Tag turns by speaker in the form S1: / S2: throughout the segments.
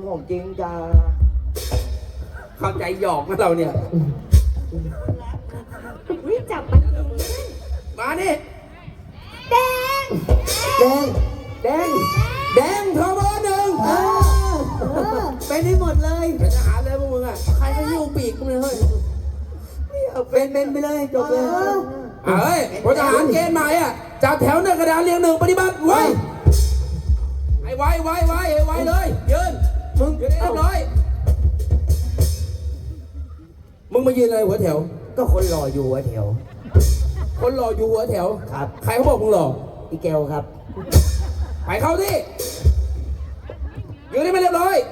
S1: ของจริงจ้า
S2: เข้าใจหยอกนะเราเนี่ย
S3: วิ่งจับมันเอง
S2: มานี่
S3: แดง
S1: แดงแดง
S2: แดงเทอร์โบหนึ่ง
S1: เป็นให้หมดเลย
S2: เป็นทหารเลยพวกมึงอ่ะใครก็หิ้วปีกมึงเลยเฮ้ย
S1: เป็นไปเลยจบเลย
S2: เฮ้ยพลทหารเกณฑ์ใหม่อ่ะจับแถวหน้ากระดานเรียงหนึ่งปฏิบัติไว้ไอ้ไว้เลยยืนมึงยืนให้เรียบร้อยมึงมายืนอะไรหัวแถว
S1: ก็คนรออยู่หัวแถว
S2: คนรออยู่หัวแถว
S1: ครับ
S2: ใครเขาบอกมึงหรอ
S1: อีแกวครับ
S2: ไปเข้าที่ยืนให้มันเรียบร้อย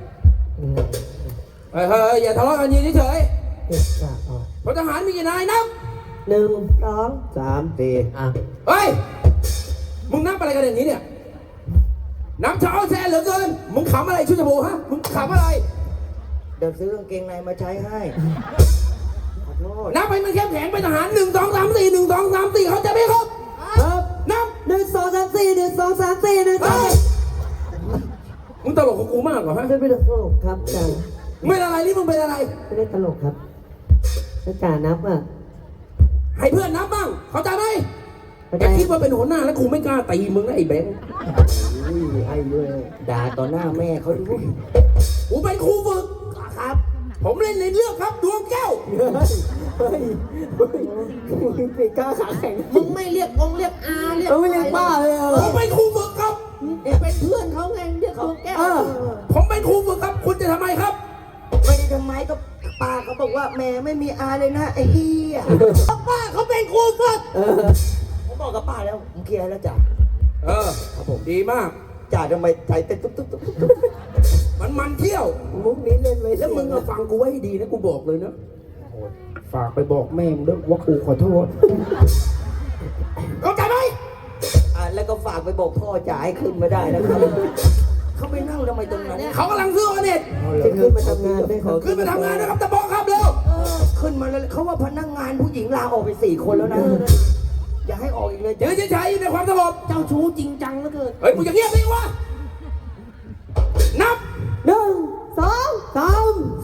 S2: เฮ้ยอย่าทะเลาะกันยืนเฉยๆพลทหารมีกี่นายนับ
S1: 1 2 3 4อ่ะ
S2: เฮ้ยมึงนับอะไรกันอย่างนี้เนี่ยน้ำเช้าแซ่เหลือเกินมึงขำอะไรชุดจมูกฮะมึงขำอะไร
S1: เดี๋ยวซื้อกางเกงในมาใช้ให้ขอโทษ
S2: นับไปมันเข้มแข็งเป็นทหาร1 2 3 4 1 2 3 4เขาจะไม่ครบ
S1: ครับ
S2: นับ
S1: 1 2 3 4 1 2 3 4 1
S2: เฮ้ยมึงตลกกับกูมากกว่าฮะ
S1: 2ไม่ได้ตลกครับอาจารย์
S2: ไม่อะไรนี่มึงเป็นอะไร
S1: ไม่ได้ตลกครับอาจารย์นับอ่ะ
S2: ให้เพื่อนนับบ้างเข้าใจไหม
S1: เข้าใจ
S2: แต่คิดว่าเป็นหัวหน้าแล้วกูไม่กล้าตีมึงนะไอ้แบงค์
S1: ไอ้ด้วยด่าต่อหน้าแม่เขาด้วย
S2: กูเป็นครูฝึก
S1: ครับ
S2: ผมเล่นในเรื่องครับดวงแก้ว
S1: เฮ้ยปีกล้าขาแข็ง
S4: มึงไม่เรียกองค์เรียกอาเรียก
S1: ไม่เรียกป้าเลยเหร
S2: ผมเป็นครูฝึกครับ
S4: เป็นเพื่อนเขาไงเรียกเขาแก้ว
S2: ผมเป็นครูฝึกครับ คุณจะทำไมครับ
S1: ไม่ได้ทำไมก็ป้าเขาบอกว่าแม่ไม่มีอาเลยนะไอ้เหี้ย
S4: ป้าเขาเป็นครูฝึก
S1: ผมบอกกับป้าแล้วผมเคลียร์แล้วจ้ะ
S2: เออ
S1: ครับผม
S2: ดีมาก
S1: จ่าทำไมใจเต้นตุ๊บตุ๊บตุ๊บตุ๊บ
S2: มันเที่ยว
S1: มุกนี้เล่นไว้
S2: แล้วมึงมาฟังกูไว้ให้ดีนะกูบอกเลยนะฝากไปบอกแม่มึงด้วยว่ากูขอโทษเข้าใจไหม
S1: แล้วก็ฝากไปบอกพ่อจ่าให้ขึ้นมาได้นะครับเขาไปนั่งทำไมตรงนั้น
S2: เขากำลังซื้อออเน็ต
S1: จะขึ้นมาทำงานได้ขอ
S2: ขึ้นมาทำงานนะครับตะบอกครับเร็ว
S1: ขึ้นมาแล้วเขาว่าพนักงานผู้หญิงลาออกไป4 คนแล้วนะอย่าให้ออกอีกเลย
S2: ยืนเฉยๆอยู่ในความสงบ
S4: เจ้าชู้จริงจังเหลือเกิน
S2: เฮ้ยมึงจะเงียบดิวะนับ
S1: 1 2 3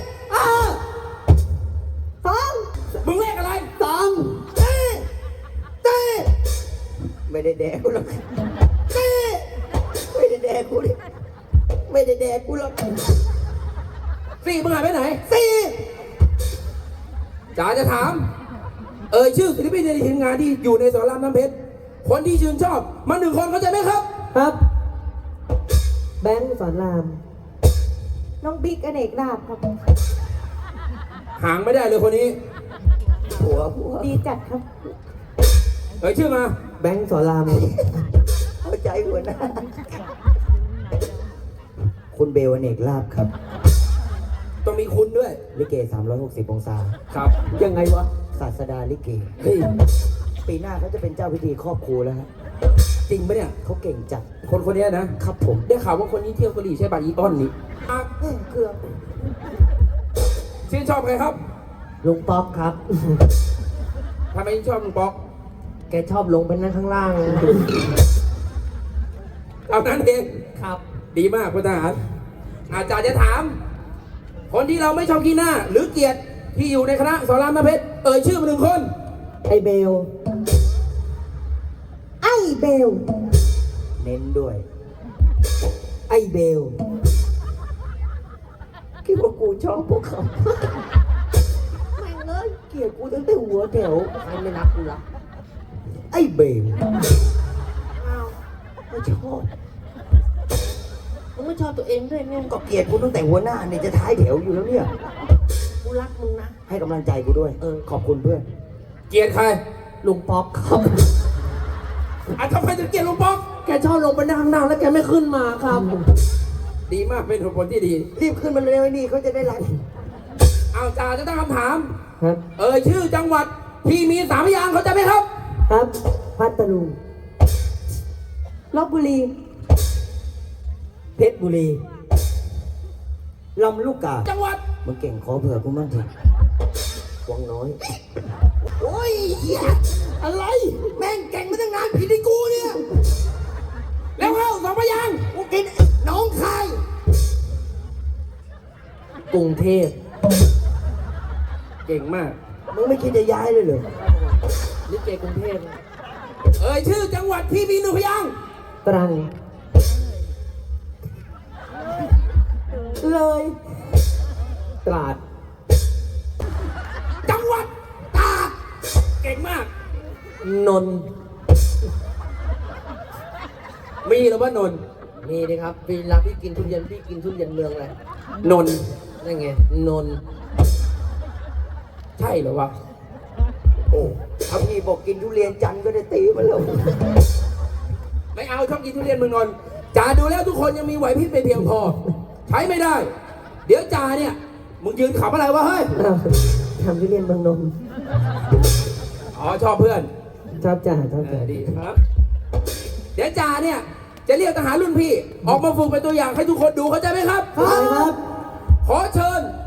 S2: 4 มึงเลขอะไร
S1: 2
S2: เต้เต้
S1: ไม่ได้แดกกูหรอกไม่ได้แดกกูเลยไม่ได้แดกกูหรอก
S2: สี่มึงหายไปไหน จ๋าจะถาม ชื่อศิลปินในทีมงานที่อยู่ในสอนรามน้ำเพชร คนที่ชื่นชอบมา1 คนเข้าใจไหมครับ
S1: ครับ แบงค์สอนราม
S3: น้องบิ๊กอเนกลาบครับ
S2: ห่างไม่ได้เลยคนนี้
S1: ผัว
S3: ดีจัดครับ
S2: ชื่อมา
S1: แบงค์สอนรามเข้าใจหัวหน้าคุณเบลอเนกลาบครับ
S2: ต้องมีคุณด้วย
S1: ลิเก360 องศา
S2: ครับ
S1: ยังไงวะ ศาสดาลิเก
S2: เฮ้ย
S1: ปีหน้าเขาจะเป็นเจ้าพิธีครอบครูแล้วฮะ
S2: จริงปะเนี่ย
S1: เขาเก่งจัด
S2: คนนี้นะครับ
S1: ผม
S2: ได้ข่าวว่าคนนี้เที่ยวกะหรี่ใช่ป่ะอีออนนี่อ่ะ
S1: เครื่อง
S2: ชื่นชอบใครครับ
S1: ลุงป๊อกครับ
S2: ทำไมชอบลุงป๊อก
S1: แกชอบลงไปนั่งข้างล่าง
S2: เอานั้นเอง
S1: ครับ
S2: ดีมากพลทหาร อาจารย์จะถาม คนที่เราไม่ชอบขี้หน้า หรือเกลียดที่อยู่ในคณะสอนรามน้ำเพชรชื่อมา1 คน
S1: ไอเบล
S3: ไอ้เบล
S1: เน้นด้วย ไอเบล คิดว่ากูชอบพวกเขา
S4: แม่งเลย
S1: เกลียดกูตั้งแต่หัวแถว
S4: ใครไม่รักกูละ
S1: ไอเบล
S4: อ้าว
S1: ไม่ชอบ
S4: มึงไม่ชอบตัวเองด้วยไง
S1: ก็เกลียดกูตั้งแต่หัวหน้าเนี่ยจะท้ายแถวอยู่แล้วเนี่ย
S4: กูรักมึงนะ
S1: ให้กำลังใจกูด้วย ขอบคุณเพื่อน
S2: เกลียดใคร
S1: ลุงป๊อกครับ
S2: ทำไมถึงเกลียดลุงป๊อก
S4: แกชอบลงไปนั่งข้างล่างแล้วแกไม่ขึ้นมาครับ
S2: ดีมากเป็นคนที่ดี
S1: รีบขึ้นมาเร็วไอ้นี่เขาจะได้รัก
S2: เอาจ่าจะตั้งคำถาม
S1: ครับ
S2: ชื่อจังหวัดที่มี3 พยางค์เขาใจไหมครับ
S1: ครับ พัทลุง
S3: ลบบุรี
S1: เพชรบุรี ลำลูกกา
S2: จังหวัด
S1: มึงเก่งขอเผื่อกูมั่งเถอะวังน้อย
S2: โอ้ยเหี้ยอะไร แม่งเก่งมาตั้งนานผิดที่กูเนี่ย แล้วเข้า2 พยางค์
S1: กูกินน้องคาย
S4: กรุงเทพ
S2: เก่งมาก
S1: มึงไม่คิดจะย้ายเลยเหรอ
S4: ลิเกกรุงเทพ
S2: เอ่ยชื่อจังหวัดที่มีหนึ่งพยางค์
S3: ตรัง เลย
S4: ตราด
S2: จังหวัดตากเก่งมาก
S4: นนท์
S2: มีหรือว่านนท์
S4: มีดิครับเวลาพี่กินทุเรียนพี่กินทุเรียนเมืองอะไร
S2: นนท์
S4: นั่นไงนนท์
S2: ใช่เหรอวะ
S1: โอ้ถ้าพี่บอกกินทุเรียนจันทร์ก็ได้ตีมาแล้ว
S2: ไม่เอาชอบกินทุเรียนเมืองนนท์จ่าดูแล้วทุกคนยังมีไหวพริบไม่เพียงพอ ใช้ไม่ได้ เดี๋ยวจ่าเนี่ยมึงยืนขำอะไรวะเฮ้ย
S3: อ้าวทำทุเรียนเมืองนนท์
S2: อ๋อชอบเพื่อน
S3: ชอบจ่าชอบจ่า
S2: ดีครับ เดี๋ยวจ่าเนี่ยจะเรียกทหารรุ่นพี่ ออกมาฝึกเป็นตัวอย่างให้ทุกคนดูเข้าใจไหมครับ
S3: ครับ
S2: ขอเชิญ